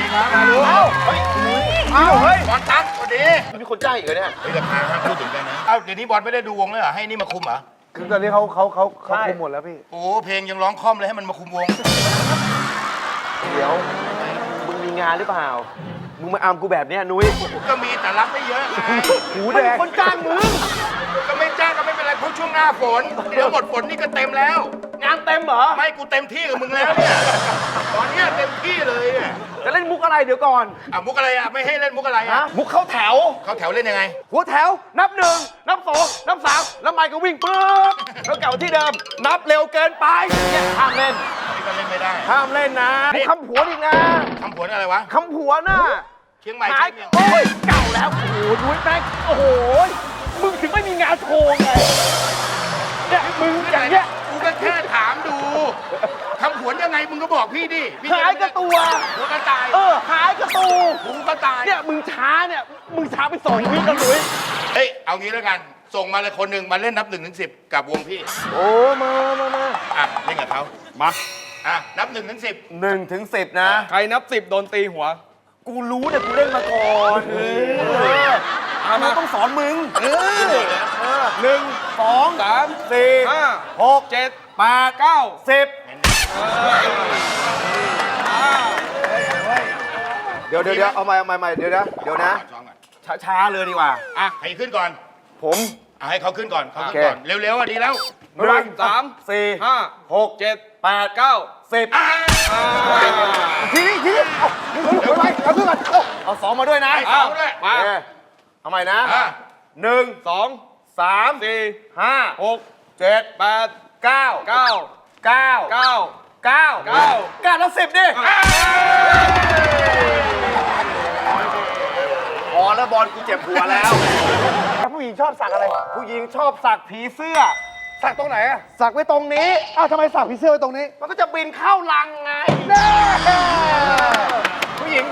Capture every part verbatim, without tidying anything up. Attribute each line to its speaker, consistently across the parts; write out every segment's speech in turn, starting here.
Speaker 1: ครับมาดูเอ้าเฮ้ยเอ้าเฮ้ยบอลตั๊กสวัสดี
Speaker 2: มีคนจ้างอีกเหรอเนี่ย
Speaker 1: เฮ้ยราคาห้ามพูดถึงกันนะเอ้าเดี๋ยวนี้บอลไม่ได้ดูวงเลยเหรอให้นี่มาคุมเหรอ
Speaker 3: คือตอนนี้เขาเขาเขาเขาคุมหมดแล้วพี่
Speaker 1: โอ้เพลงยังร้องคล่อมเลยให้มันมาคุมวง
Speaker 2: เดี๋ยวมึงมีงานหรือเปล่ามึงมาอามกูแบบเนี้ยนุ้ย
Speaker 1: ก็มีแต่รับไม่เยอะ
Speaker 2: หูแดงคนจ้างมึง
Speaker 1: ก็ไม่จ้างก็ไม่เป็นไรเพราะช่วงหน้าฝนเดี๋ยวหมดฝนนี่ก็เต็มแล้ว
Speaker 2: งานเต็มเหรอ
Speaker 1: ไม่กูเต็มที่กับมึงแล้วเนี่ยตอนนี้เต็มที่เลยเนี่ย
Speaker 2: จะเล่นมุกอะไรเดี๋ยวก่อน
Speaker 1: อ่ะมุกอะไรอ่ะไม่ให้เล่นมุกอะไรอ่ะ
Speaker 2: มุกเข้าแถว
Speaker 1: เข้าแถวเล่นยังไง
Speaker 2: หัวแถวนับหนึ่งนับสองนับสามแล้วไมค์ก็วิ่งปุ๊บแล้วเก่าที่เดิมนับเร็วเกินไปเนี่ยห้ามเล่น
Speaker 1: นี่ก็เล่นไม่ได้
Speaker 2: ห้ามเล่นนะมุกคำผวนอีกนะ
Speaker 1: คำผวนอะไรวะ
Speaker 2: คำผวนน่ะ
Speaker 1: เชียงใหม่
Speaker 2: หายโอ้ยเก่าแล้วโอ้โหนุ้ยแม่งโอ้โหมึงถึงไม่มีงานโชว์ไงเนี่ยมึงอย่างเงี้ย
Speaker 1: กูก็แค่ถามดูคำผวนยังไงมึงก็บอกพี่ดิ
Speaker 2: หายกระตัว
Speaker 1: หัวกระต่าย
Speaker 2: เออหายกระตู
Speaker 1: หูกระต่าย
Speaker 2: เนี่ยมึงช้าเนี่ยมึงช้าไปสองวิแล้วนุ้ย
Speaker 1: เฮ้ยเอางี้แล้วกันส่งมาเลยคนหนึ่งมาเล่นนับหนึ่งถึงสิบกับวงพี่
Speaker 2: โอ้มามามา
Speaker 1: อ่ะเล่นกับเขา
Speaker 4: มา
Speaker 1: อ่ะนับหนึ่งถึงสิบ
Speaker 2: หนึ่งถึงสิบนะ
Speaker 4: ใครนับสิบโดนตีหัว
Speaker 2: กูรู้เนี่ยกูเล่นมาก่อนเออกูต้องสอนมึงเออหนึ่งสอง
Speaker 4: สาม
Speaker 2: สี่
Speaker 4: ห้า
Speaker 2: หก
Speaker 4: เจ็ด
Speaker 2: แปด
Speaker 4: เก้า
Speaker 2: สิบเดี๋ยวเดี๋ยวเดี๋ยวเอาใหม่เอาใหม่ใหม่เดี๋ยวนะเดี๋ยวนะช้าช้าเลยดีกว่า
Speaker 1: อ่ะใครขึ้นก่อน
Speaker 2: ผม
Speaker 1: อ่ะให้เขาขึ้นก่อนเขาขึ้นก่อนเร็วๆอ่ะดีแล้ว
Speaker 4: หนึ่งสาม
Speaker 2: สี่
Speaker 4: ห้า
Speaker 2: หก
Speaker 4: เจ็ด
Speaker 2: แปด
Speaker 4: เก้า
Speaker 2: สิบทีนี้ทีนี้เอาไปเอาขึ้นก่อนเอาสองมาด้วยนะ
Speaker 1: สองด้วย
Speaker 4: มา
Speaker 2: เอาใหม่นะหนึ่ง
Speaker 4: สอง
Speaker 2: สาม
Speaker 4: สี่
Speaker 2: ห้า
Speaker 4: หก
Speaker 2: เจ็ด
Speaker 4: แปด
Speaker 2: เก้า
Speaker 4: เก้า
Speaker 2: เก้า
Speaker 4: เก้า
Speaker 2: เก้า
Speaker 4: เก้า
Speaker 2: เก้าแล้วสิบดิพอแล้วบอลกูเจ็บหัวแล้วผู้หญิงชอบสักอะไรผู้หญิงชอบสักผีเสื้อสักตรงไหนอะสักไว้ตรงนี้
Speaker 3: อ้าวทำไมสักผีเสื้อไว้ตรงนี้
Speaker 2: มันก็จะบินเข้ารังไงผู้หญิง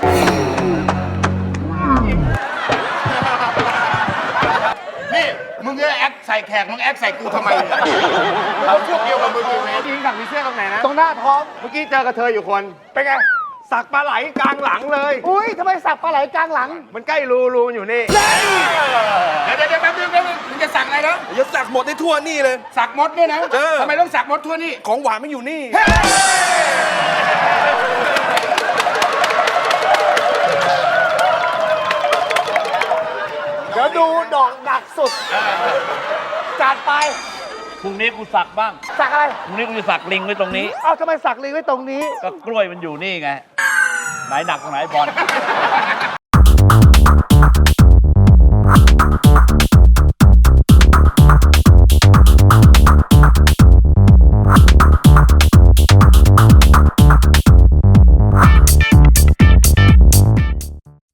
Speaker 1: นี่มึงเนี่ยแอคใส่แขกมึงแอคใส่กูทำไมเนี่ยเราพวกเดียวกับมึงอยู่เลย
Speaker 2: ผู้หญิงสักผีเสื้อตรงไหนนะ
Speaker 3: ตรงหน้าท้อง
Speaker 2: เมื่อกี้เจอกระเทยอยู่คนเป็นไงสักปลาไหลกลางหลังเลย
Speaker 3: อุ้ยทำไมสักปลาไหลกลางหลัง
Speaker 2: มันใกล้รูรูมันอยู่นี่
Speaker 1: เดี๋ยวเดี๋ยวแป๊บนึงแป๊บนึงมึงจะสักอะไรนะ
Speaker 4: จะสักหมดในทั่วนี่เลย
Speaker 1: สักมดเนี่ยนะทำไมต้องสักมดทั่วนี่
Speaker 4: ของหวานไม่อยู่นี่
Speaker 2: เดี๋ยวดูดอกหนักสุดจัดไป
Speaker 5: พรุ่งนี้กูสักบ้าง
Speaker 2: สักอะไร
Speaker 5: พรุ่งนี้กูจะสักลิงไว้ตรงนี้
Speaker 3: อ้าวทำไมสักลิงไว้ตรงนี้
Speaker 5: ก็กล้วยมันอยู่นี่ไงไหนหนักตรงไหนบอล